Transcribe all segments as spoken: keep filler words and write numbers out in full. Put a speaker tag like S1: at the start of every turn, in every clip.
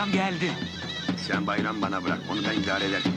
S1: Bayram geldi.
S2: Sen Bayram bana bırak, onu ben idare ederim.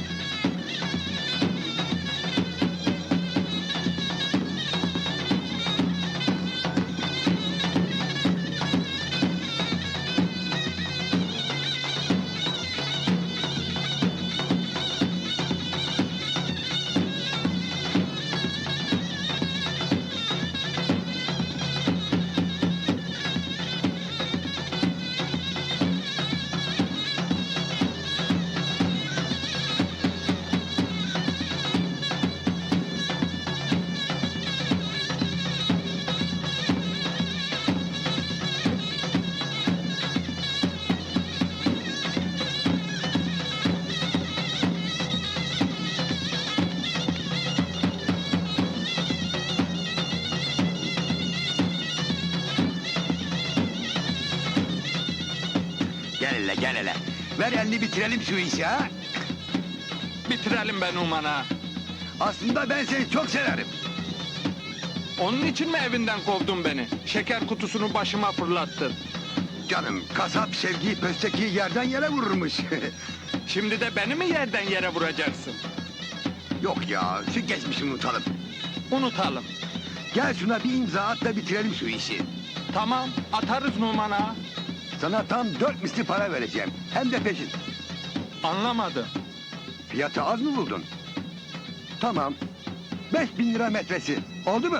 S2: Gel hele, gel hele. Ver elini bitirelim şu işi ha.
S3: Bitirelim be Numan ağa.
S2: Aslında ben seni çok severim.
S3: Onun için mi evinden kovdun beni? Şeker kutusunu başıma fırlattın.
S2: Canım, kasap sevgiyi pösteki yerden yere vururmuş.
S3: Şimdi de beni mi yerden yere vuracaksın?
S2: Yok ya, şu geçmişi unutalım.
S3: Unutalım.
S2: Gel şuna bir imza at da bitirelim şu işi.
S3: Tamam, atarız Numan ağa.
S2: Sana tam dört misli para vereceğim. Hem de peşin.
S3: Anlamadım.
S2: Fiyatı az mı buldun? Tamam. Beş bin lira metresi. Oldu mu?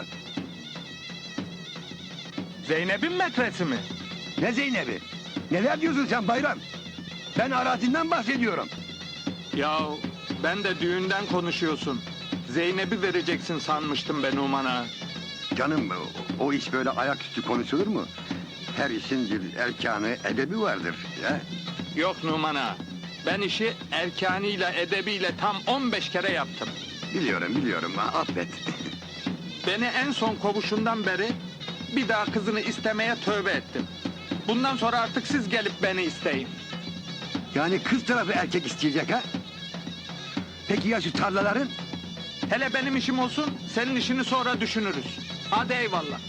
S3: Zeynep'in metresi mi?
S2: Ne Zeynep'i? Neler diyorsun sen Bayram? Ben arazinden bahsediyorum.
S3: Ya ben de düğünden konuşuyorsun. Zeynep'i vereceksin sanmıştım ben Numan ağa.
S2: Canım, o, o iş böyle ayaküstü konuşulur mu? Her işin bir erkanı, edebi vardır. Ya.
S3: Yok Numan ağa. Ben işi erkanıyla, edebiyle tam on beş kere yaptım.
S2: Biliyorum, biliyorum. Ha, affet.
S3: Beni en son kovuşundan beri bir daha kızını istemeye tövbe ettim. Bundan sonra artık siz gelip beni isteyin.
S2: Yani kız tarafı erkek isteyecek ha? Peki ya şu tarlaların?
S3: Hele benim işim olsun, senin işini sonra düşünürüz. Hadi eyvallah.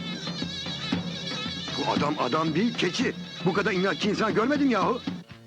S2: Bu adam adam değil, keçi. Bu kadar inatçı insan görmedim yahu.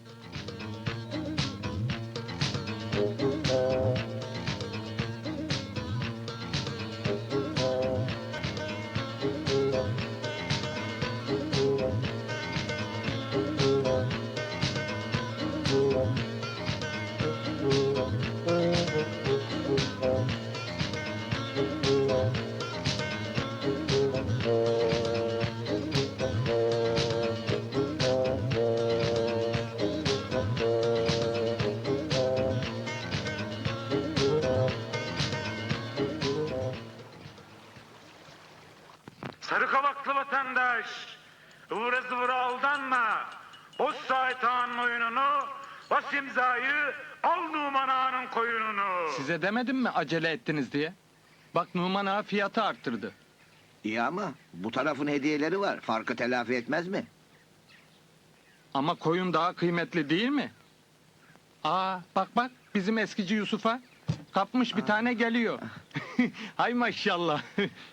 S4: Sarı kavaklı vatandaş, ıvıra zıvıra aldanma. Boz Sait Ağa'nın oyununu, bas imzayı, al Numan Ağa'nın koyununu.
S3: Size demedim mi acele ettiniz diye? Bak Numan ağa fiyatı arttırdı.
S5: İyi ama bu tarafın hediyeleri var. Farkı telafi etmez mi?
S3: Ama koyun daha kıymetli değil mi? Aa bak bak bizim eskici Yusuf'a. Kapmış bir tane geliyor. Hay maşallah.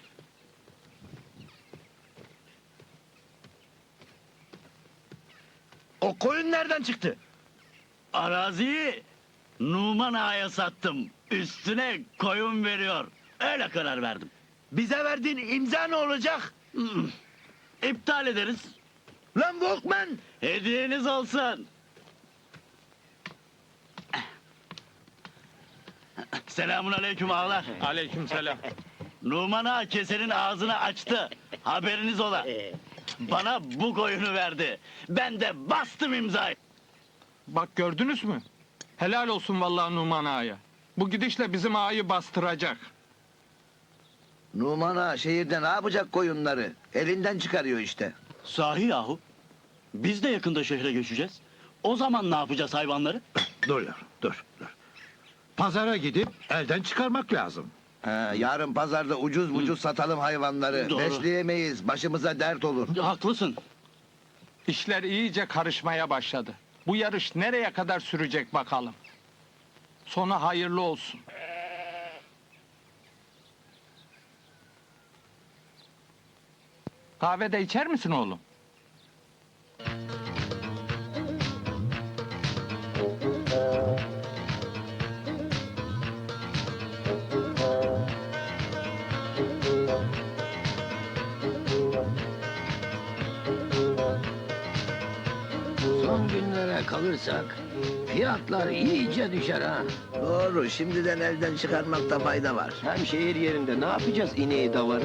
S6: O koyun nereden çıktı? Araziyi Numan Ağa'ya sattım. Üstüne koyun veriyor. Öyle karar verdim. Bize verdiğin imza ne olacak? Hmm, İptal ederiz. Lan Walkman! Hediyeniz olsun. Selamun aleyküm ağalar.
S3: Aleykümselam.
S6: Numan Ağa kesenin ağzını açtı. Haberiniz ola. Bana bu koyunu verdi. Ben de bastım imzayı.
S3: Bak gördünüz mü? Helal olsun vallahi Numan ağaya. Bu gidişle bizim ağayı bastıracak.
S5: Numan Ağa şehirde ne yapacak koyunları? Elinden çıkarıyor işte.
S6: Sahi yahu. Biz de yakında şehre göçeceğiz. O zaman ne yapacağız hayvanları?
S7: Dur yavrum, dur, dur. Pazara gidip elden çıkarmak lazım.
S5: Ha, yarın pazarda ucuz ucuz satalım hayvanları.
S6: Doğru.
S5: Besleyemeyiz. Başımıza dert olur.
S6: Haklısın.
S3: İşler iyice karışmaya başladı. Bu yarış nereye kadar sürecek bakalım. Sonu hayırlı olsun. Kahve de içer misin oğlum?
S1: böyle kalırsak fiyatlar iyice düşer ha.
S5: Doğru, şimdiden elden çıkarmakta fayda var.
S1: Hem şehir yerinde ne yapacağız ineği davarı?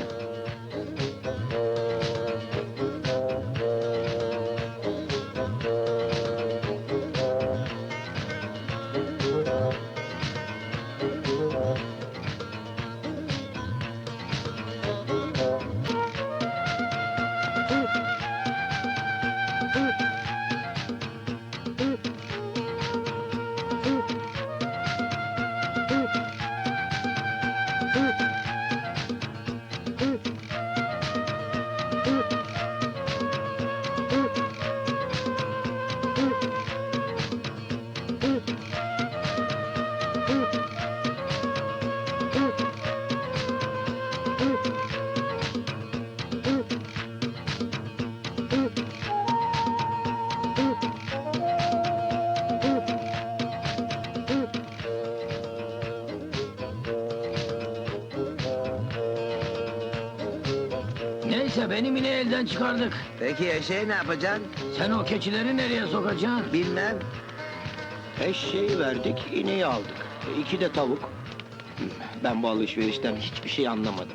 S1: Neyse benim ineği elden çıkardık.
S5: Peki eşeği ne yapacaksın?
S1: Sen o keçileri nereye sokacaksın?
S5: Bilmem.
S1: Eşeği verdik, ineği aldık. E, İki de tavuk. Ben bu alışverişten hiçbir şey anlamadım.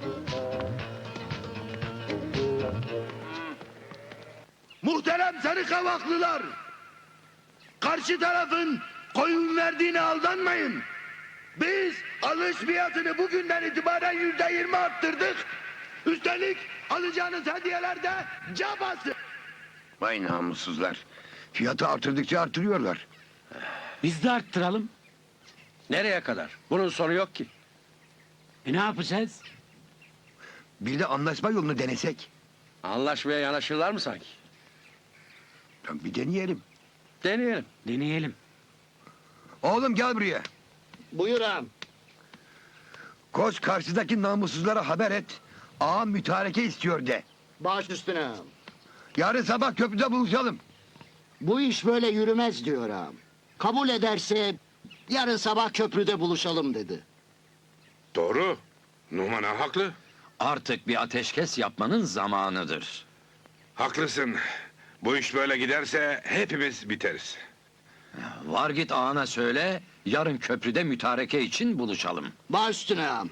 S6: Muhterem sarı kavaklılar! Karşı tarafın koyun verdiğine aldanmayın. Biz alış fiyatını bugünden itibaren yüzde yirmi arttırdık. Üstelik alacağınız hediyeler de cabası.
S2: Vay namussuzlar. Fiyatı artırdıkça artırıyorlar.
S8: Biz de arttıralım.
S7: Nereye kadar? Bunun sonu yok ki.
S8: E ne yapacağız?
S2: Bir de anlaşma yolunu denesek.
S7: Anlaşmaya yanaşırlar mı sanki?
S2: Ya bir deneyelim.
S7: Deneyelim.
S8: Deneyelim.
S2: Oğlum gel buraya.
S1: Buyur ağam.
S2: Koş karşıdaki namussuzlara haber et. Ağam mütareke istiyor de.
S9: Baş üstüne ağam.
S2: Yarın sabah köprüde buluşalım.
S9: Bu iş böyle yürümez diyor ağam. Kabul ederse yarın sabah köprüde buluşalım dedi.
S10: Doğru. Numan ağa haklı.
S7: Artık bir ateşkes yapmanın zamanıdır.
S10: Haklısın. Bu iş böyle giderse hepimiz biteriz.
S7: Var git ağana söyle, yarın köprüde mütareke için buluşalım.
S9: Baş üstüne ağam.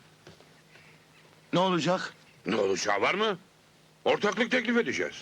S6: Ne olacak?
S10: Ne olacağı var mı? Ortaklık teklif edeceğiz.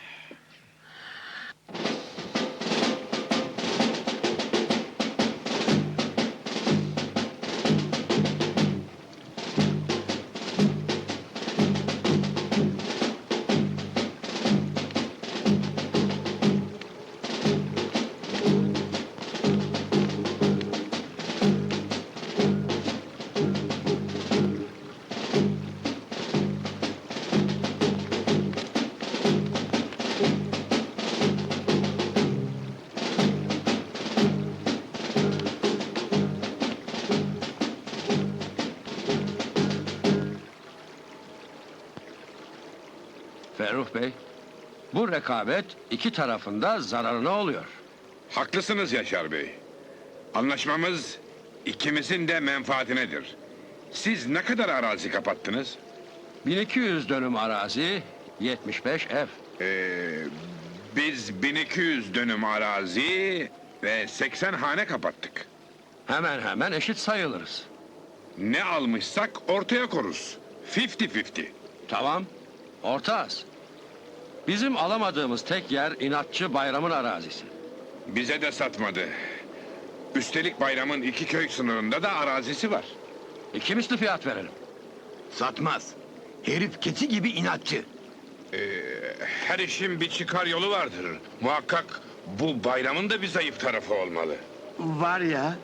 S7: Ferruh Bey, bu rekabet iki tarafında zararına oluyor.
S10: Haklısınız Yaşar Bey. Anlaşmamız ikimizin de menfaatinedir. Siz ne kadar arazi kapattınız?
S7: bin iki yüz dönüm arazi, yetmiş beş ev.
S10: Ee, biz bin iki yüz dönüm arazi ve seksen hane kapattık.
S7: Hemen hemen eşit sayılırız.
S10: Ne almışsak ortaya koruz. Fifty fifty.
S7: Tamam, orta az. Bizim alamadığımız tek yer inatçı Bayram'ın arazisi.
S10: Bize de satmadı. Üstelik bayramın iki köy sınırında da arazisi var.
S7: İki misli fiyat verelim.
S2: Satmaz. Herif keçi gibi inatçı.
S10: Ee, her işin bir çıkar yolu vardır. Muhakkak bu bayramın da bir zayıf tarafı olmalı.
S6: Var ya.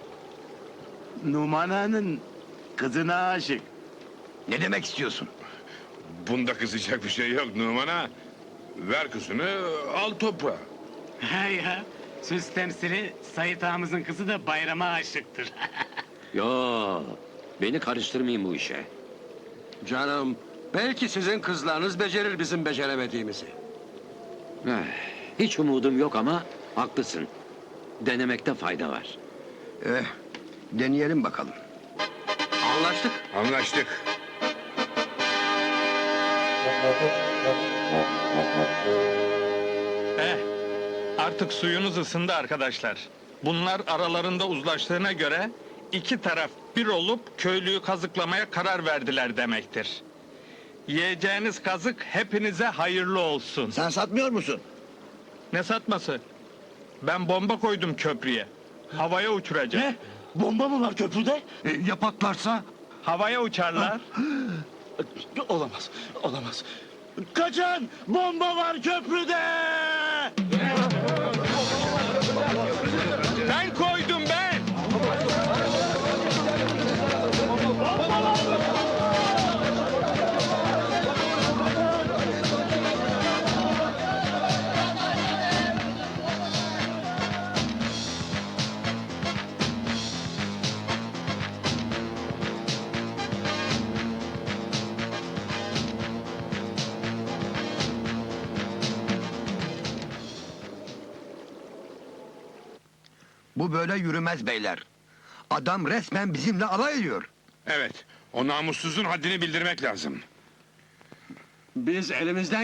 S6: Numan Ağa'nın kızına aşık.
S2: Ne demek istiyorsun?
S10: Bunda kızacak bir şey yok Numan Ağa. Ver kızını, al toprağı.
S8: Ha ya, söz temsili Sait ağamızın kızı da bayrama aşıktır.
S1: Yo, beni karıştırmayın bu işe.
S7: Canım, belki sizin kızlarınız becerir bizim beceremediğimizi.
S1: Eh, hiç umudum yok ama haklısın. Denemekte fayda var.
S2: Eh, deneyelim bakalım.
S7: Anlaştık.
S10: Anlaştık.
S3: Eh, Artık suyunuz ısındı arkadaşlar. Bunlar aralarında uzlaştığına göre iki taraf bir olup köylüyü kazıklamaya karar verdiler demektir. Yiyeceğiniz kazık hepinize hayırlı olsun.
S6: Sen satmıyor musun?
S3: Ne satması? Ben bomba koydum köprüye. Havaya uçuracak.
S6: Ne? Bomba mı var köprüde?
S2: ya patlarsa?
S3: Havaya uçarlar.
S6: Olamaz, olamaz. Kaçın! Bomba var köprüde!
S3: Ben koydum ben.
S2: Bu böyle yürümez beyler. Adam resmen bizimle alay ediyor.
S10: Evet, o namussuzun haddini bildirmek lazım.
S7: Biz elimizden